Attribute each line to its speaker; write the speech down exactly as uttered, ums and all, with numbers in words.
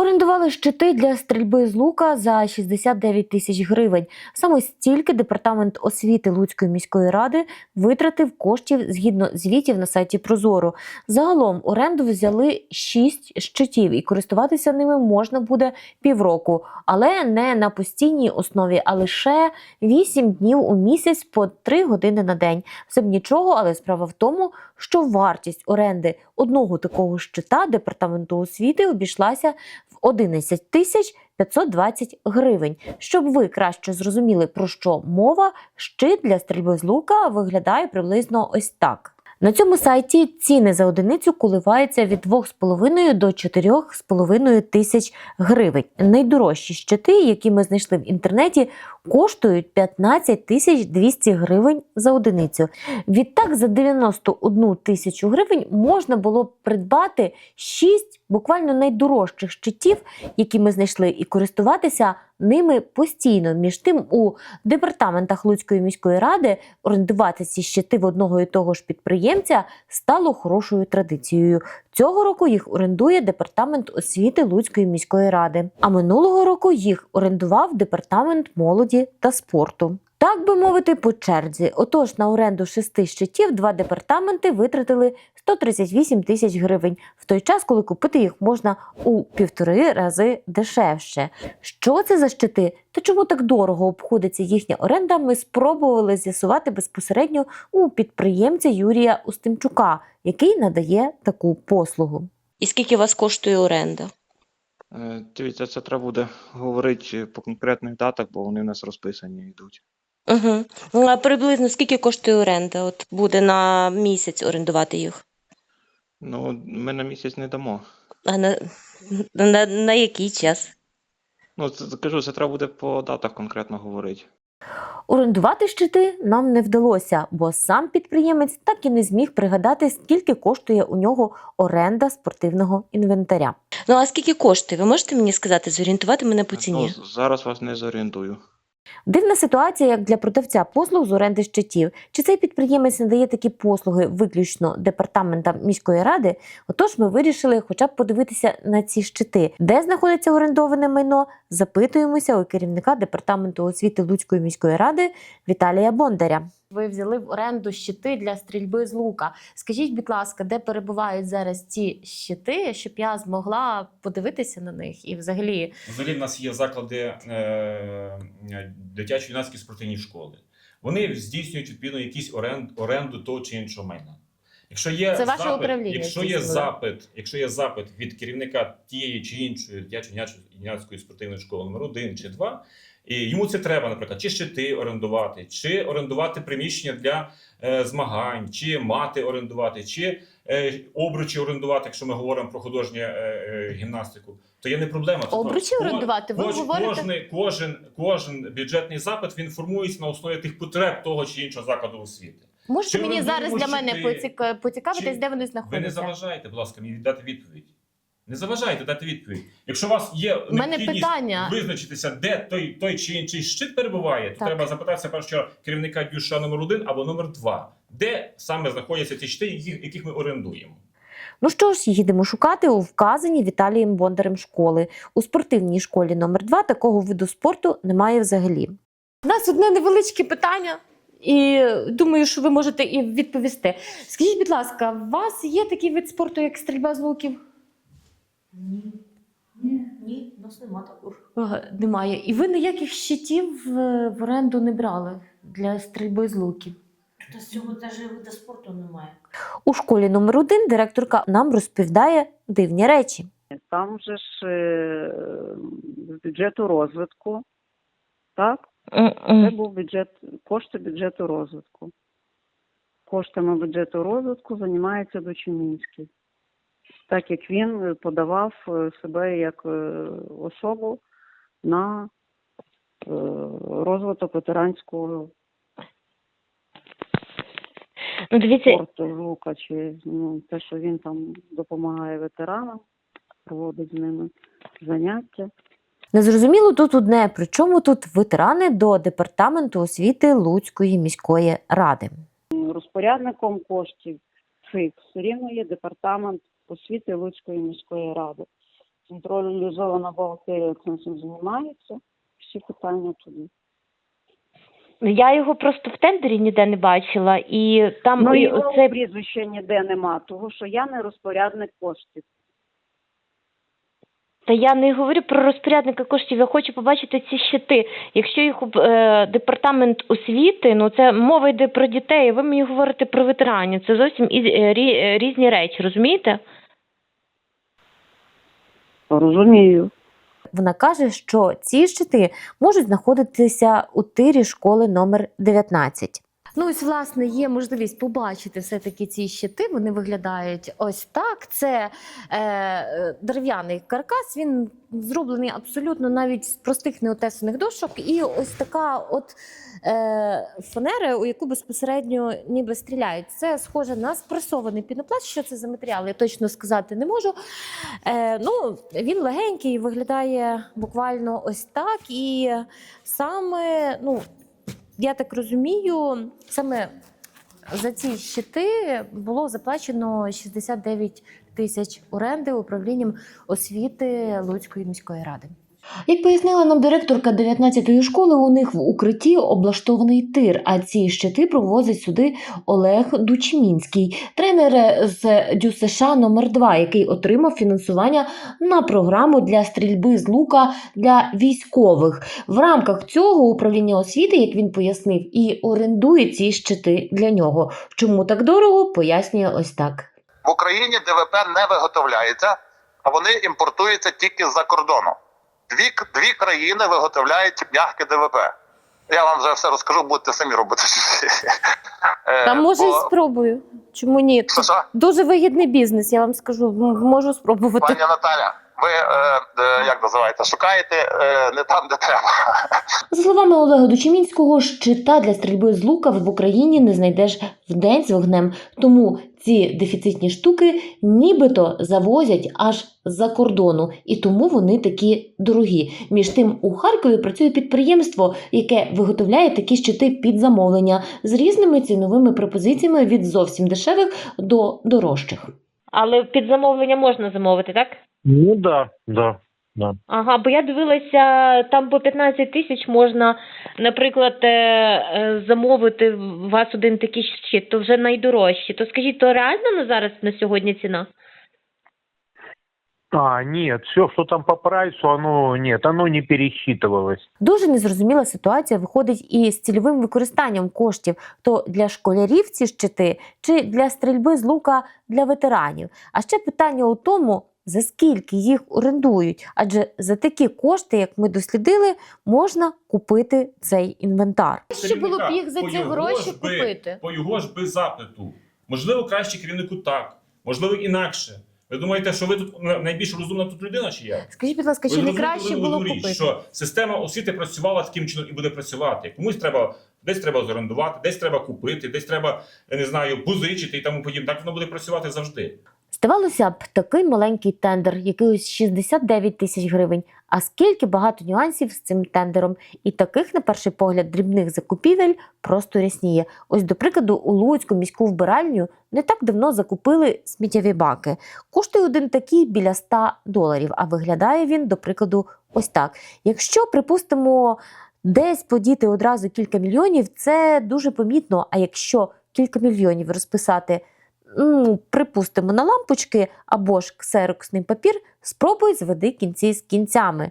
Speaker 1: Орендували щити для стрільби з лука за шістдесят дев'ять тисяч гривень. Саме стільки департамент освіти Луцької міської ради витратив коштів згідно звітів на сайті Прозоро. Загалом оренду взяли шість щитів і користуватися ними можна буде півроку. Але не на постійній основі, а лише вісім днів у місяць по три години на день. Все б нічого, але справа в тому, що вартість оренди одного такого щита департаменту освіти обійшлася в одинадцять тисяч п'ятсот двадцять гривень. Щоб ви краще зрозуміли, про що мова, щит для стрільби з лука виглядає приблизно ось так. На цьому сайті ціни за одиницю коливаються від двох з половиною до чотирьох з половиною тисяч гривень. Найдорожчі щити, які ми знайшли в інтернеті, коштують п'ятнадцять тисяч двісті гривень за одиницю. Відтак за дев'яносто одну тисячу гривень можна було б придбати шість буквально найдорожчих щитів, які ми знайшли, і користуватися ними постійно. Між тим, у департаментах Луцької міської ради орендувати ці щити в одного і того ж підприємця стало хорошою традицією. Цього року їх орендує департамент освіти Луцької міської ради, а минулого року їх орендував департамент молоді та спорту. Так би мовити, по черзі. Отож, на оренду шести щитів два департаменти витратили сто тридцять вісім тисяч гривень, в той час, коли купити їх можна у півтори рази дешевше. Що це за щити та чому так дорого обходиться їхня оренда, ми спробували з'ясувати безпосередньо у підприємця Юрія Устимчука, який надає таку послугу.
Speaker 2: І скільки у вас коштує оренда?
Speaker 3: Дивіться, це треба буде говорити по конкретних датах, бо вони в нас розписані йдуть.
Speaker 2: Угу. Ну, а приблизно скільки коштує оренда? От буде на місяць орендувати їх?
Speaker 3: Ну, ми на місяць не дамо.
Speaker 2: А на, на, на який час?
Speaker 3: Ну, це, кажу, це треба буде по датах конкретно говорити.
Speaker 1: Орендувати щити нам не вдалося, бо сам підприємець так і не зміг пригадати, скільки коштує у нього оренда спортивного інвентаря.
Speaker 2: Ну, а скільки коштує? Ви можете мені сказати, зорієнтувати мене по ціні?
Speaker 3: Ну, зараз вас не зорієнтую.
Speaker 1: Дивна ситуація, як для продавця послуг з оренди щитів. Чи цей підприємець надає такі послуги виключно департаментам міської ради? Отож, ми вирішили хоча б подивитися на ці щити. Де знаходиться орендоване майно? Запитуємося у керівника департаменту освіти Луцької міської ради Віталія Бондаря. Ви взяли в оренду щити для стрільби з лука. Скажіть, будь ласка, де перебувають зараз ці щити, щоб я змогла подивитися на них і взагалі...
Speaker 4: Взагалі в нас є заклади е, дитячо-юнацькі спортивні школи. Вони здійснюють відповідно якісь оренд, оренду того чи іншого майна. Якщо є
Speaker 1: Це ваше
Speaker 4: запит,
Speaker 1: управління?
Speaker 4: Якщо є запит, якщо є запит від керівника тієї чи іншої дитячо-юнацької спортивної школи номер один чи два, і йому це треба, наприклад, чи щити орендувати, чи орендувати приміщення для е, змагань, чи мати орендувати, чи е, обручі орендувати, якщо ми говоримо про художню е, е, гімнастику, то є не проблема.
Speaker 1: Обручі орендувати? Ви
Speaker 4: Кож,
Speaker 1: говорите?
Speaker 4: Кожен, кожен, кожен бюджетний запит, він формується на основі тих потреб того чи іншого закладу освіти.
Speaker 1: Можете
Speaker 4: Чи
Speaker 1: мені
Speaker 4: орендуємо
Speaker 1: зараз для мене
Speaker 4: щити,
Speaker 1: поціка- поцікавитись,
Speaker 4: чи-
Speaker 1: де вони
Speaker 4: Ви
Speaker 1: знаходяться?
Speaker 4: не заважаєте, будь ласка, мені дати відповідь. Не заважайте дати відповідь. Якщо у вас є
Speaker 1: У мене
Speaker 4: необхідність
Speaker 1: питання.
Speaker 4: визначитися, де той, той чи інший щит перебуває, то
Speaker 1: Так.
Speaker 4: треба запитатися першого керівника ДЮСШ номер один або номер два. Де саме знаходяться ці щити, яких, яких ми орендуємо?
Speaker 1: Ну що ж, їдемо шукати у вказаній Віталієм Бондарем школи. У спортивній школі номер два такого виду спорту немає взагалі. У нас одне невеличке питання, і думаю, що ви можете і відповісти. Скажіть, будь ласка, у вас є такий вид спорту, як стрільба з луків?
Speaker 5: Ні. Ні, ні, у нас нема такого.
Speaker 1: Ага, немає. І ви ніяких щитів е, в оренду не брали для стрільби з луків?
Speaker 5: Та з цього навіть виду спорту немає.
Speaker 1: У школі номер один директорка нам розповідає дивні речі.
Speaker 6: Там же ж е, з бюджету розвитку, так? Це був бюджет, кошти бюджету розвитку. Коштами бюджету розвитку займається Дочинінський, так як він подавав себе як особу на розвиток ветеранського
Speaker 1: Ну, дивіться,
Speaker 6: спорту лука, чи ну, те, що він там допомагає ветеранам, проводить з ними заняття.
Speaker 1: незрозуміло тут одне, при чому тут ветерани до департаменту освіти Луцької міської ради.
Speaker 6: Розпорядником коштів цих все рівно є департамент освіти Луцької міської ради. централізована бухгалтерія цим всім займається. Всі питання туди.
Speaker 2: Я його просто в тендері ніде не бачила, і там
Speaker 6: Ну,
Speaker 2: і
Speaker 6: його
Speaker 2: оце...
Speaker 6: прізвища ніде нема, тому що я не розпорядник коштів.
Speaker 2: Та я не говорю про розпорядника коштів, я хочу побачити ці щити. Якщо їх е, департамент освіти, ну це мова йде про дітей, а ви мені говорите про ветеранів. Це зовсім із, е, рі, е, різні речі, розумієте?
Speaker 6: Розумію.
Speaker 1: Вона каже, що ці щити можуть знаходитися у тирі школи номер дев'ятнадцять. Ну, ось, власне, є можливість побачити все-таки ці щити. Вони виглядають ось так. Це е, дерев'яний каркас, він зроблений абсолютно навіть з простих неотесаних дошок. І ось така от е, фанера, у яку безпосередньо ніби стріляють. Це схоже на спресований пінопласт. Що це за матеріал, я точно сказати не можу. Е, ну, він легенький, виглядає буквально ось так. І саме, ну, я так розумію, саме за ці щити було заплачено шістдесят дев'ять тисяч оренди управлінням освіти Луцької міської ради. Як пояснила нам директорка дев'ятнадцятої школи, у них в укритті облаштований тир, а ці щити провозить сюди Олег Дучмінський, тренер з ДЮСШ номер два, який отримав фінансування на програму для стрільби з лука для військових. В рамках цього управління освіти, як він пояснив, і орендує ці щити для нього. Чому так дорого, пояснює ось так.
Speaker 7: В Україні ДВП не виготовляється, а вони імпортуються тільки з-за кордону. Дві, дві країни виготовляють м'яке ДВП. Я вам вже все розкажу, будете самі робити.
Speaker 1: Та може
Speaker 7: Бо...
Speaker 1: і спробую. Чому ні?
Speaker 7: Що, що?
Speaker 1: Дуже вигідний бізнес, я вам скажу. М- Можу спробувати.
Speaker 7: Пані Наталя, ви, е, е, як називаєте, шукаєте е, не там, де треба.
Speaker 1: За словами Олега Дучмінського, щита для стрільби з лука в Україні не знайдеш вдень з вогнем. Тому ці дефіцитні штуки нібито завозять аж з-за кордону. І тому вони такі дорогі. Між тим, у Харкові працює підприємство, яке виготовляє такі щити під замовлення з різними ціновими пропозиціями від зовсім дешевих до дорожчих.
Speaker 2: Але під замовлення можна замовити, так?
Speaker 8: Ну да, да, да.
Speaker 2: Ага, бо я дивилася, там по п'ятнадцять тисяч можна, наприклад, е, е, замовити у вас один такий щит, то вже найдорожчі. То скажіть, то реально на зараз, на сьогодні ціна?
Speaker 8: А, нет, все, что там по прайсу, оно нет, оно не пересчитывалось.
Speaker 1: Дуже незрозуміла ситуація виходить і з цільовим використанням коштів. То для школярів ці щити, чи для стрільби з лука для ветеранів. А ще питання у тому, за скільки їх орендують. Адже за такі кошти, як ми дослідили, можна купити цей інвентар. Що було б їх за
Speaker 4: По
Speaker 1: ці
Speaker 4: його
Speaker 1: гроші
Speaker 4: ж би-
Speaker 1: купити?
Speaker 4: По його ж без запиту. Можливо, краще керівнику так, можливо, інакше. Ви думаєте, що ви тут найбільш розумна тут людина, чи як?
Speaker 1: Скажіть, будь ласка,
Speaker 4: Ви
Speaker 1: чи не
Speaker 4: зрозумієте
Speaker 1: краще
Speaker 4: одну
Speaker 1: було
Speaker 4: річ,
Speaker 1: купити?
Speaker 4: що система освіти працювала таким чином і буде працювати. Комусь треба, десь треба зорендувати, десь треба купити, десь треба, я не знаю, позичити і тому подібне. Так воно буде працювати завжди.
Speaker 1: Здавалося б, такий маленький тендер, якийсь шістдесят дев'ять тисяч гривень. А скільки багато нюансів з цим тендером. І таких, на перший погляд, дрібних закупівель просто рясніє. Ось, до прикладу, у Луцьку міську вбиральню не так давно закупили сміттєві баки. Коштує один такий біля ста доларів, а виглядає він, до прикладу, ось так. Якщо, припустимо, десь подіти одразу кілька мільйонів, це дуже помітно. А якщо кілька мільйонів розписати, ну, припустимо, на лампочки або ж ксероксний папір, спробуй зведи кінці з кінцями.